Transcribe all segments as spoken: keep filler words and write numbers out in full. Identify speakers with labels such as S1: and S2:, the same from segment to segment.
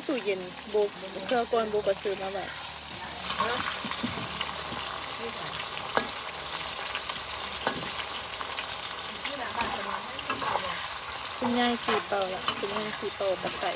S1: ตู้เย็นโบเครื่องก่อนโบก็ซื้อมาแบบคุณยายสีเป่าละคุณยายสีเป่าตะไคร้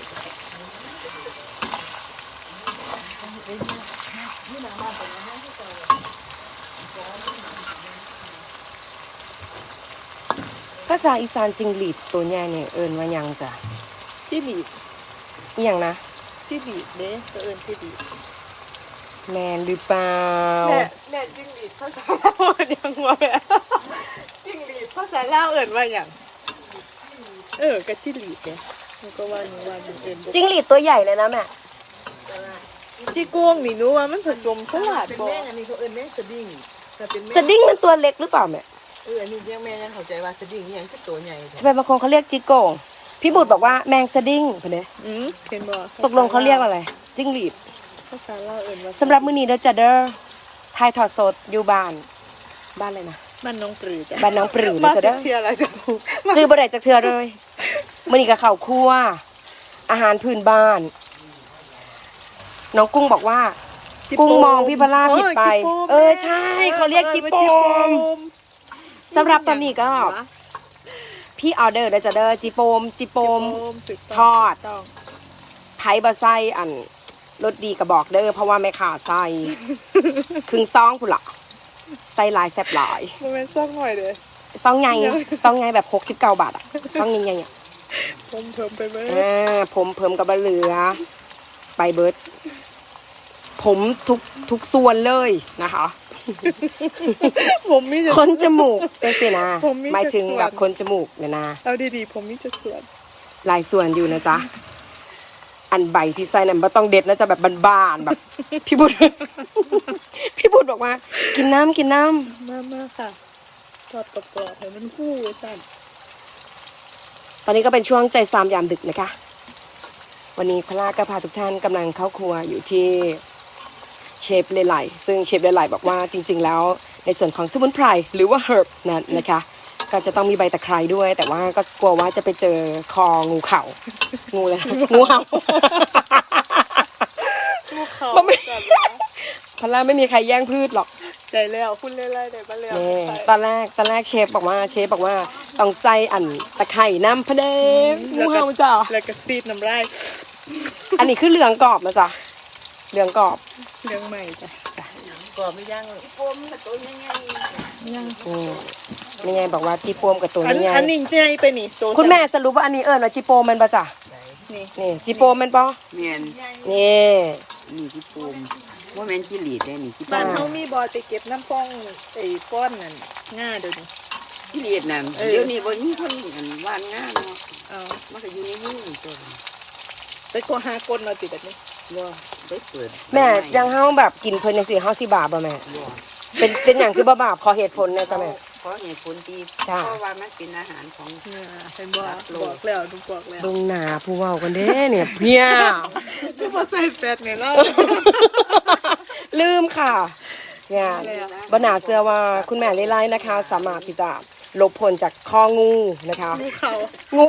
S2: ภาษาอีสานจิงหรีดตัวใหญ่เนี่ยเอิ้นว่าหยังจ้ะ
S1: จิ้หลีด
S2: อีหยังนะ
S1: จิ้หลีดเด้ก็เอิ้นจิ้หลีด
S2: แม่นหรือเปล่า
S1: แม่แม่จิ้งหรีดภาษาลาวเอิ้นหยังวะแม่จิ้งหรีดภาษาลาวเอิ้นว่าหยังเออก็จิ้หลีดเด้มันก็ว่าหนูว่ามันเอิ้น
S2: จิงหรีดตัวใหญ่เลยนะแม่
S1: จิกวงนี่หนูว่ามันผสมตลาดบ่แม่อันนี้เขาเอิ้นแม่สดิ้งแต่เป็นแม่
S2: สดิ้งมันตัวเล็กหรือเปล่าแม่
S1: เอออันนี้ยังแม่ยังเข้าใจว่าสดิ้งนี่ยังคือตัวใหญ่
S2: ทำไมบางคนเขาเรียกจิโก้พี่บุตรบอกว่าแมงสดิ้งเพิ่นเด้
S1: อืมเห็นบ่
S2: ตกลงเขาเรียกอะไรจิ้งหรีด
S1: ภาษาลาวเอิ้นว่า
S2: สำหรับมื้อนี้เด้อจ้ะเด้อถ่ายทอดสดอยู่บ้านบ้านเลยนะ
S1: บ้านน้องปรือจ้ะ
S2: บ้านน้องปรือนะจ้ะเด้อ
S1: เชื่ออะไรจ้ะ
S2: ซื้อบ่ได้จักเทื่อเลยมื้อนี้ก็ข้าวคั่วอาหารพื้นบ้านน้องกุ้งบอกว่ากุ้งมองพี่พลาผิดไปเออใช่เขาเรียกจิโปมสำหรับตอนนี้ก็พี่ออเดอร์เด้อจ้ะเด้อจิโปมจิโปมทอดไผ่บะไส้อันรสดีก็บอกเด้อเพราะว่าแม่ขาใส่ครึ่งซองพุ่นล่ะใส่หลายแซ่บหลาย
S1: บ่แม่นซองหน่อยเด้อ
S2: ซองใหญ่ซองใหญ่แบบหกสิบเก้าบาทอ่ะซองใหญ่ๆอ่ะ
S1: ผมเพิ่มไปเบิด
S2: อ่าผมเพิ่มกับเหลือไปเบิดผมทุกทุกส่วนเลยนะคะ
S1: ผมมี
S2: คนจมูกเป็นสินะหมายถึงแบบคนจมูกเนี่ยนะ
S1: เอาดีๆผมมีจะส่วน
S2: หลายส่วนอยู่นะจ๊ะอันใบที่ใส่นั่นไม่ต้องเด็ดนะจะแบบบานๆแบบพี่บุตรพี่บุตรบอกว่ากินน้ำกินน้
S1: ำมามาค่ะทอดกรอบๆให้มันฟูสั่น
S2: ตอนนี้ก็เป็นช่วงใจซามยามดึกนะคะวันนี้พลาก็พาทุกท่านกำลังเข้าครัวอยู่ที่เชฟเลไลซึ่งเชฟเลไลบอกว่าจริงๆแล้วในส่วนของสมุนไพรหรือว่าเฮิร์บนั้นนะคะก็จะต้องมีใบตะไคร้ด้วยแต่ว่าก็กลัวว่าจะไปเจอคองูเข่างูเลยงูเห่า
S1: งูเข่า
S2: พลาไม่มีใครแย่งพืชหรอก
S1: ได้แล้วคุณเล่ไล่ได้มาแล้ว
S2: ตอนแรกตอนแรกเชฟบอกว่าเชฟบอกว่าต้องใส่อันตะไคร้น้ำพะเดมงูเห่าจ้ะ
S1: แล้วก็ซีดน้ำลาย
S2: อันนี้คือเหลืองกรอบนะจ๊ะเหลืองกรอบ
S1: เหลืองใหม่จ้ะกรอบไม่ย่างเลยโฟมกับตัวใหญ่ๆย่าง
S2: อืมไม่ไงบอกว่าจีโปมกับตัวนี้ไง
S1: อันนี้ใหญ่ไปนี่ตัว
S2: คุณแม่สรุปว่าอันนี้เอิญว่าจีโปมมันปะจ๊ะนี่นี่จีโปมมันปะ
S3: เมียน
S2: นี่
S3: นี่จีโปมว่าแม่นจีหลีดได้นี่จี
S1: บ้านเขามีบอไปเก็บน้ำฟองไอ้ก้อนนั่นง่าเดี๋ยวนี้
S3: จีหลีดนั่นเดี๋ยวนี้บนนี้คนอันว่านง่าเนาะ
S1: เออ
S3: มันก็อยู่ในมือตัว
S1: ไปกลัวหาก้นเราติดแบบนี้
S3: ว่าได้เปิด
S2: แม่ยังเฮาแบบกินเพลินยังสี่เฮาสิบาปป่ะแม่เป็นเป็นอย่างคือบ่บาปขอเหตุผลนะจ๊ะแม่
S3: ขอเหตุผลที่เพราะว่ามันเป็นอาหารของ
S1: เป็นบอกบอกแล้วดูบอกแล้ว
S2: ดงหนาผู้เว้ากันเด้เนี่ยเพี้ย
S1: คือบ่ใส่แฟตเนี่ยเนาะ
S2: ลืมค่ะเนี่ยบ่น่าเชื่อว่าคุณแม่ไล่ๆนะคะสามารถที่จะลบผลจากข้องูนะคะ
S1: งูเขา
S2: งู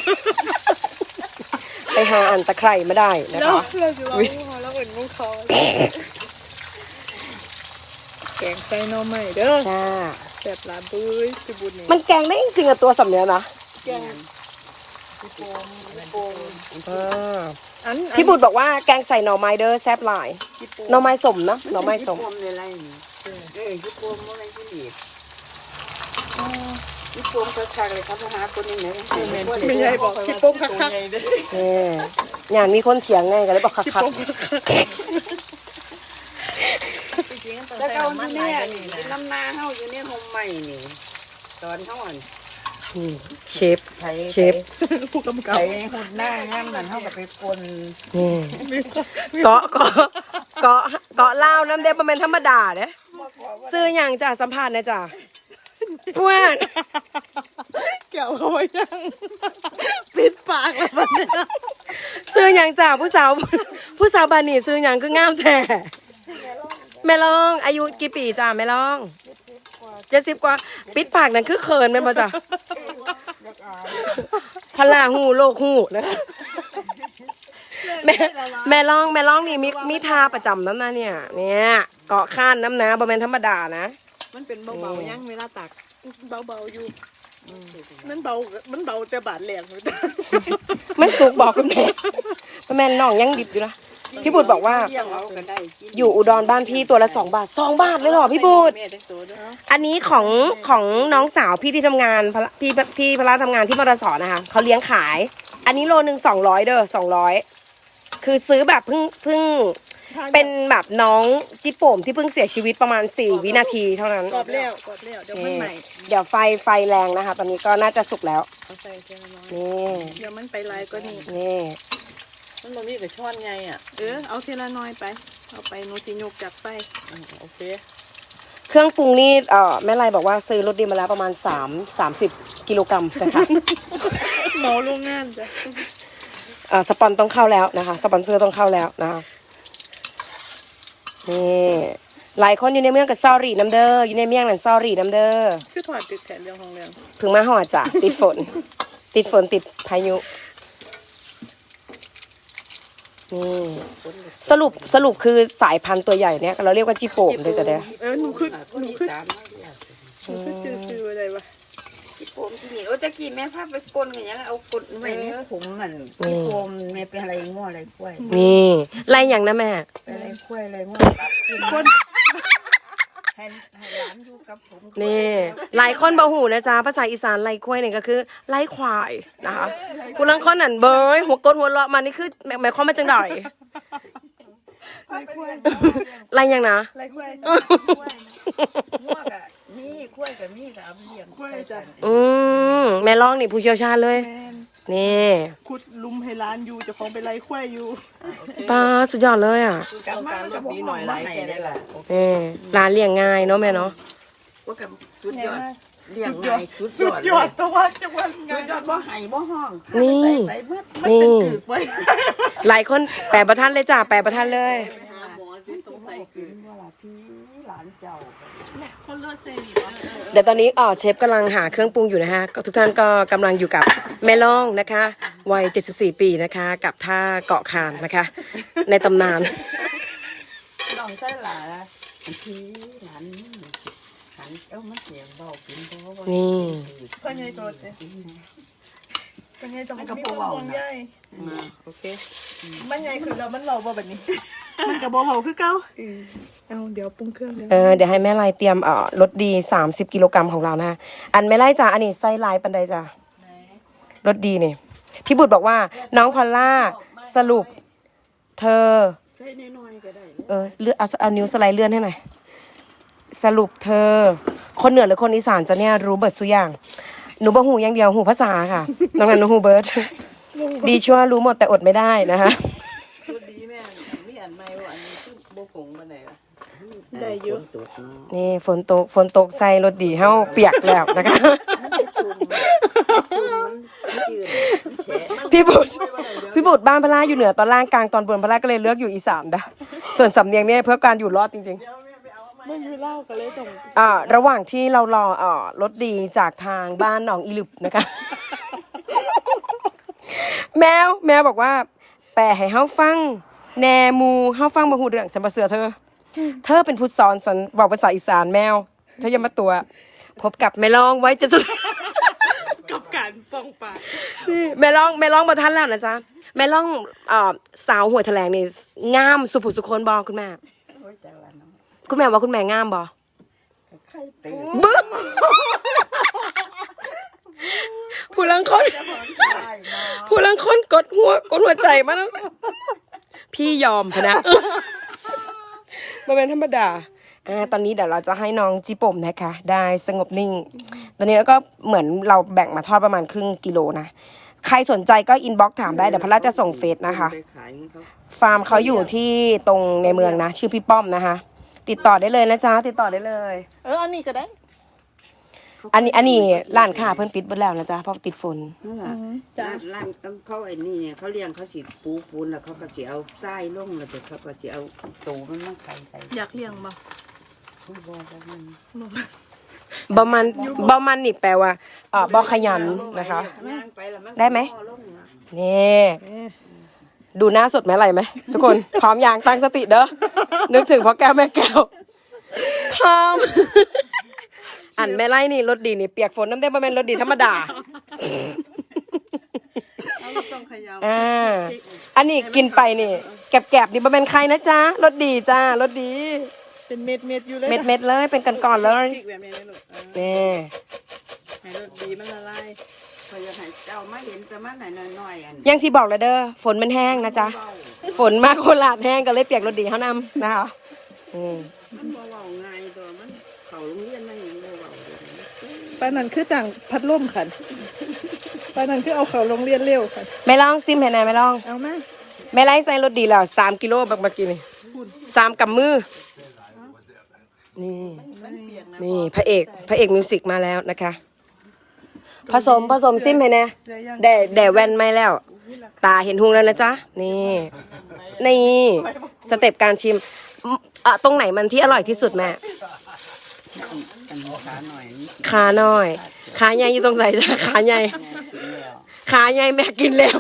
S2: ไปหาอันตะไคร่มาได้นะคะ
S1: เราจะลองงูเขาแล้วเหมือนงูเขาแกงไส้นมใหม่เด้อ
S2: จ้า
S1: แบบลาบุ้ยสิบุญนี่
S2: มันแกงได้จริงๆกับตัวสำเนียงนะ
S1: แกงพี่โปมพี่โปม
S2: อ่าพี่บุตรบอกว่าแกงใส่หน่อไม้เด้อแซ่บหลายหน่อไม้สมนะหน่อไม้สม
S3: พี่โปมในไรนี่เออพี่โปมว่าอะไรที่หลีดพี่โปมคักๆเลยครับหาคนนี้ไหน
S1: ไม่ใช่บอกพี่โปมคักๆ
S2: เอออย่างมีคนเถียงไงกันเลยบอกคักๆ
S3: แล้วก็อยู่เนี่ยน้ำนาเฮาอยู่เนี่ยห่มใหม่นี่ตอนเฮาอ่อน
S2: เชฟเชฟ
S1: ผู้กำกับ
S3: ไปหุ่นหน้างามนั่นเฮาก็ไปปน
S2: นี่เกาะเกาะเกาะเกาะเล่าน้ำเด็บมันเป็นธรรมดาเด้ซื้ออย่างจ้ะสัมภาษณ์นะจ้ะเพื่อน
S1: แก้วเขาไว้ยังปิดปากเลยบัดนี้
S2: ซื้ออย่างจ้ะผู้สาวผู้สาวบานี่ซื้ออย่างคืองามแท้แม่ลองอายุกี่ปีจ้ะแม่ลองเจ็ดสิบกว่าปิดปากนั่นคือเขินแม่บ่จ้ะพลาหูโลกหูนะคะแม่แม่ร้องแม่ร้องนี่มีมีทาประจำน้ำนะเนี่ยเนี่ยเกาะข้านน้ำนะบะแมนธรรมดานะ
S1: มันเป็นเบาๆยังเวลาตักเบาๆอยู่มันเบามันเบาแต่บาดแหลม
S2: มันสุกบอกคุณแม่บะแมนน้องยังดิบอยู่นะพี่บุตรบอกว่า
S3: เลี้ยงเอาก็ได้กิน
S2: อยู่อุดรบ้านพี่ตัวละสองบาทสองบาทเลยเหรอพี่บุตร
S1: แม่ได้ตัวด้วย
S2: อันนี้ของของน้องสาวพี่ที่ทำงานพละพี่ที่พละทำงานที่มรสนะคะเขาเลี้ยงขาย อันนี้โลหนึ่งสองร้อยเด้อสองร้อยคือซื้อแบบเพิ่งเพิ่งเป็นแบบน้องจิโป่มที่เพิ่งเสียชีวิตประมาณสี่วินาทีเท่านั้น
S1: กรอบแล้วกรอบแล้วเดี๋ยวมันใหม่
S2: เดี๋ยวไฟไฟแรงนะคะ ตอนนี้ก็น่าจะสุกแล้ว
S1: เอาใส่เทีละน้อย
S2: นี่
S1: เดี๋ยวมันไปลายก็นี่
S2: นี่
S3: มันบ่มีกับช้อนไงอ่ะ
S1: เออเอาเทีละน้อยไปเอาไปโนติโยกจับไป
S3: โอเค
S2: เครื่องปรุงนี่เอ่อแม่ไรบอกว่าซื้อรถดีมาแล้วประมาณสามสามสิบกิโลกรัมนะคะ
S1: เหมาโรงงานจ้ะ
S2: เอ่อสปอนต้องเข้าแล้วนะคะสปอนเซอร์ต้องเข้าแล้วนะคะนี่หลายคนอยู่ในเมืองกับซอรี่น้ำเด้ออยู่ในเมืองนั่นซอรี่น้ำเด้อ
S1: คือถอดติดแขนเรื่องของเรื่อง
S2: เพึ่งมาหอดจ้ะติดฝน ติดฝนติดพายุนี่สรุปสรุปคือสายพันธุ์ตัวใหญ่เนี่ยเราเรียกว่าจิโป่มเลยจ้ะเด้อ
S1: เออหนูคือหนูคือ
S3: สามร้อยเดียว
S1: หนูคือจือซื้ออะไรวะ
S3: ที่ผมที่นี่โอ้ตะกี้แม่พาไปกลนกันยังเอากลนไว้ในผมมันที่ผมแม่เป็นอะไรง้ออะไรกล้วย
S2: นี่ไรอย่างนะแม่
S3: เป็นอะไรกล้วยอะไรง้อครับกิน
S1: คน
S3: ให้ให้ร้านอยู่กับผม
S2: นี่หลายคนบ่หูนะจ๊ะภาษาอีสานไรควายเนี่ยก็คือไรควายนะคะผู้ลังคนนั่นเบยหัวกดหัวเลาะมานี่คือหมายความว่าจังไดไรอย่างนะ
S1: อะไรกล้วย
S3: ง้อกับมีกล้วยกับมีสามเลี้ยง
S1: กล้วยจ้ะ
S2: อืมแม่ร้องนี่ผู้เชี่ยวชาญเลย
S1: แม่น
S2: นี่
S1: ขุดลุมให้ร้านอยู่เจะของไปไล่กล้วยอยู่
S2: ป้าสุดยอดเลยอ่ะ
S3: กลับมากับนี้หน่อยไรแค่ได้ละ
S2: นี่ร้านเลี้ยงง่ายเนาะแม่เนาะ
S3: ว่ากับสุดยอดเลี้ยงไงสุด
S1: สุ
S3: ย
S1: ด
S3: อด
S1: ยอดตัวจังหวัดไง
S3: สุดยอดบ่ไห้บ่ห้อง
S2: นี่
S3: ไปเมื่อ
S1: มัน
S2: นี่
S1: ตึกตึกไว้
S2: หลายคนแปลประทันเลยจ้ะแปลประทันเลย
S3: หาหมอที่ต้องใส่คืนว่าล่ะพี่หลานเจ้า
S1: คนเลือดเซรีวะ
S2: เดี๋ยวตอนนี้อ๋อเชฟกำลังหาเครื่องปรุงอยู่นะฮะก็ทุกท่านก็กำลังอยู่กับแม่ล่องนะคะวัยเจ็ดสิบสี่ปีนะคะ กับท่าเกาะคานนะคะ ในตำนาน
S3: น้องใส่หลานพี่หลานนี่หันเอ้ามันเสียงเบากินบ่บ่
S2: นี่
S1: พ่อใหญ่ตัวเจ๊พ่อใหญ่ตัวมันมีความห่วงใย
S3: มาโอเค
S1: มันใหญ่คือเรามันเบาบ่แบบนี้ มันกับเบาๆคือเก่าเอาเดี๋ยวปรุงเครื่องเดี๋ยว
S2: เออเดี๋ยวให้แม่ไล่เตรียมเอ่อรสดีสามสิบกิโลกรัมของเรานะอันแม่ไล่จ้ะอันนี้ไส้ลายปันใดจ้ะรสดีนี่พี่บุตรบอกว่าน้องพอลล่าสรุป เธอ
S3: ใส่น้อยๆก็ได้
S2: เออเลื่อนเอาเอานิ้วสไลด์เลื่อนให้หน่อยสรุปเธอ คนเหนือหรือคนอีสานจะเนี่ยรู้เบิดสุกอย่างหนูบ่หูอย่างเดียวหูภาษาค่ะน้องนันหนูหูเบิร์ดดีชั่วรู้หมดแต่อดไม่ได้นะคะ
S3: สุดดีแม่มีอันใหม่ว่าอันนี้คือบ่ผงบ่ได้ล่ะ
S1: ได้เยอะ
S3: ตุก
S2: นี่ฝนตกฝนตกใส่รถดีเฮาเปียกแล้วนะคะ
S3: มันไปชุมชุมมันยืนแฉะ
S2: พี่บุตรพี่บุตรบ้านพระลาอยู่เหนือตอนล่างกลางตอนบนพระลาก็เลยเลือกอยู่อีสานนะส่วนสำเนียงเนี่ยเพื่อการอยู่รอดจริงๆ
S1: ไม่มีเหล้ากันเลยตรง
S2: อ่าระหว่างที่เรารออ่ารถดีจากทางบ้านหนองอีหลึบนะคะ แมวแมวบอกว่า แปลให้เฮาฟังแนมูเฮาฟังบ่ฮู้เรื่องฉันบ่เสือเธอ เธอเป็นผู้สอนสันบอกภาษาอีสานแมวเธออย่ามาตัว พบกับแม่ลองไว้จะสุด
S1: กับการป้องปาก
S2: นี่แม่ลองแม่ลองบ่ทันแล้วนะจ๊ะแม่ลองอ่าสาวหัวแถลงนี่งามสุภุสุคนบ่คุณแม่
S3: โอ้ยจังละเนาะ
S2: คุณแม่ว่าคุณแม่งามบ่
S3: ไข่ตื่น
S2: บึ้มผู้ลังคน
S3: ได้เนาะ
S2: ผู้ลังคนกดหัวกดหัวใจมาแล้วพี่ยอมพะนะมาเป็นธรรมดาอ่าตอนนี้เดี๋ยวเราจะให้น้องจิปมนะคะ ได้สงบนิ่ง ตอนนี้แล้วก็เหมือนเราแบ่งมาทอดประมาณครึ่งกิโลนะใครสนใจก็อินบ็อกซ์ถามได้เดี๋ยวพระราชจะส่งเฟซนะคะ
S3: ไปขายให้เขา
S2: ฟาร์มเขาอยู่ที่ตรงในเมืองนะ ชื่อพี่ป้อมนะคะ ติดต่อได้เลยนะจ๊ะติดต่อได้เลย
S1: เอออันนี้ก็ได้
S2: อันนี้อันนี้ร้านค้าเพิ่นปิดหมดแล้วนะจ๊ะเพราะติดฝน
S3: นั่นล่ะร้านร้านต้องเขาไอ้นี่เนี่ยเขาเลี้ยงเขาสิปูปูนแล้วเขาก็สิเอาทรายลงแล้วเดี๋ยวเขาก็สิเอาตูมันมาไข่ใส่
S1: อยากเลี้ยงบ่
S3: ผู้บ่ว่ามัน
S2: บอมันบอมันนี่แปลว่าเอ่อบอขยันนะคะ
S3: ย่างไปแล้วมัน
S2: ได้ไหม
S3: ก็ลงนะ
S2: นี่ดูหน้าสดแม่ไรไหมทุกคน พร้อมอย่างตั้งสติเด้อนึกถึงพ่อแก้วแม่แก้วพร้อม อันแม่ไรนี่รถดีนี่เปียกฝนน้ำเต้นมาเป็นรถดีธรรมดา
S1: เอาเราต้องเขย่า
S2: อ่าอันนี้กินไปนี่แกบๆนี่มาเป็นใครนะจ๊ะรถดีจ้ารถดี
S1: เป็นเม็ดเม็ดๆอยู่เลย
S2: เม็ดๆเลยเป็นก่อนๆเลย
S1: พริกแบบนี้เลยลูกเออ
S2: นี่
S1: ให้รสดีมันละลาย
S3: พอจะให้เจ้ามาเห็นแต่มันหน่อยน้อยๆอัน
S2: อยังที่บอกเลยเด้อฝนมันแห้งนะจ๊ะฝนมากโคราชแห้งก็เลยเปียกรถดีเขานำนะคะอืม
S3: มันบ่เว้าง่ายตัวมันเขาโรงเรียนมาอย่างบ่เว้าเลย
S1: ปานนั้นคือต่างพัดลมขันปานนั้นคือเอาเขาโรงเรียนเร็วขัน
S2: ไม่ลองซิมให้หน่อยไม่ลอง
S1: เอามา
S2: ไม่ไล่ใส่รถดีแล้วสามกิโลบักเมื่อกี้นี่สามกับมือนี่นี่พระเอกพระเอกมิวสิกมาแล้วนะคะ ผสมผสมซิมให้แน่
S1: เสียยัง
S2: แด่แด่แว่นไม่แล้ว ตาเห็นหุงแล้วนะจ๊ะนี่นี่สเต็ปการชิมอ่ะตรงไหนมันที่อร่อยที่สุดแม่
S3: อันขาหน่อยนี่
S2: ขาน้อยขาใหญ่อยู่ตรงไหนจ๊ะขาใหญ่
S3: แม่กินแล้ว
S2: ขาใหญ่แม่กินแล้ว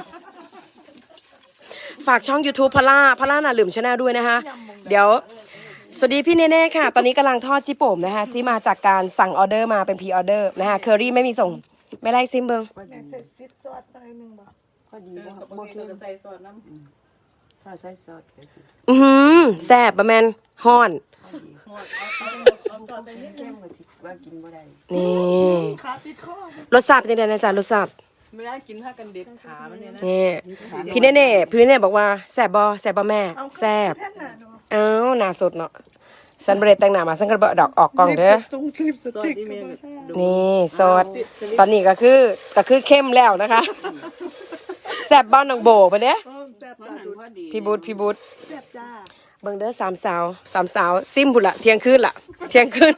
S2: ฝากช่อง YouTube พล่าพล่าหนาหลืมชาแนลด้วยนะคะ เดี๋ยว สวัสดีพี่เน่ๆค่ะ ตอนนี้กำลังทอดจิโป่มนะคะ ที่มาจากการสั่งออเดอร์มาเป็นพรีออเดอร์นะคะเคอรี่ไม่มีส่ง ไม่ไล่ซิมเบิง
S3: พอดี
S1: ใส่ซิดซอสหน่อยหนึงบ่
S3: พอดีบ่
S1: บา
S3: บ่
S1: งที
S3: คือ
S1: ก็ใส่ซอสน้ำ
S3: ถ้าใส่ซอสก็สิ
S2: อือหือแซ่บประแมนฮ้อน
S1: หอดเอาเอาเอาซอสไปนิดนึ
S3: เข้
S1: ง
S3: มก็สิว่ากินบ่ได้
S2: นี่
S1: ขาติดคอ
S2: รสชาติเป็นยังไงนะจ๊ะรสชาติ
S1: ไม่ได้กินผ้ากันเด็ดขามันเนี่ยนะ
S2: นี่พี่เน่ๆพี่เน่ๆบอกว่าแซ่บบอแซ่บบอแม่แซ่บ
S1: แท่นหนาเนาะ
S2: เอ้าหน้าสดเนาะสันเบรดแต่งหน้ามาสันกระเบาดอกออกกล่องเด้อ
S1: ตรงคลิปสติ๊กก็บ่ได้
S2: นี่ซอสตอนนี้ก็คือก็คือเข้มแล้วนะคะแซ่บบ้านนางโบไปเด้อ
S1: โอ้แซ่บ
S3: เพราะ
S1: จ้า
S3: นั้น
S1: ดู
S3: พอดี
S2: พี่บูธพี่บูธ
S1: แซ่บจ้า
S2: เบิ่งเด้อสามสาวสามสาวซิมพุ่นละเที่ยงคืนละเที่ยงคืน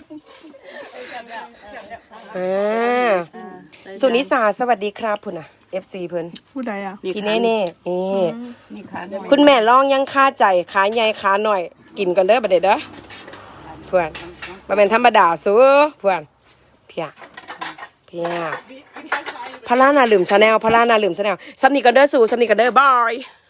S2: อ่าสุนิสาสวัสดีครับพุ่นน่ะ เอฟ ซี เพิ่น
S1: ผู้ใดอ่ะ
S2: พี่เน่ๆนี่
S3: นี่ขาหน่อย
S2: คุณแม่ลองยังค่าใจขาใหญ่ขาหน่อย กินกันเด้อบัดเดยวเด้อเพื่อนบ่แม่นธรรมดาสู้เพื่อนเพียเพียพารานาลืมชาแนลพารานาลืมชาแนลสำนีกันเด้อสู่สำนีกันเด้อบาย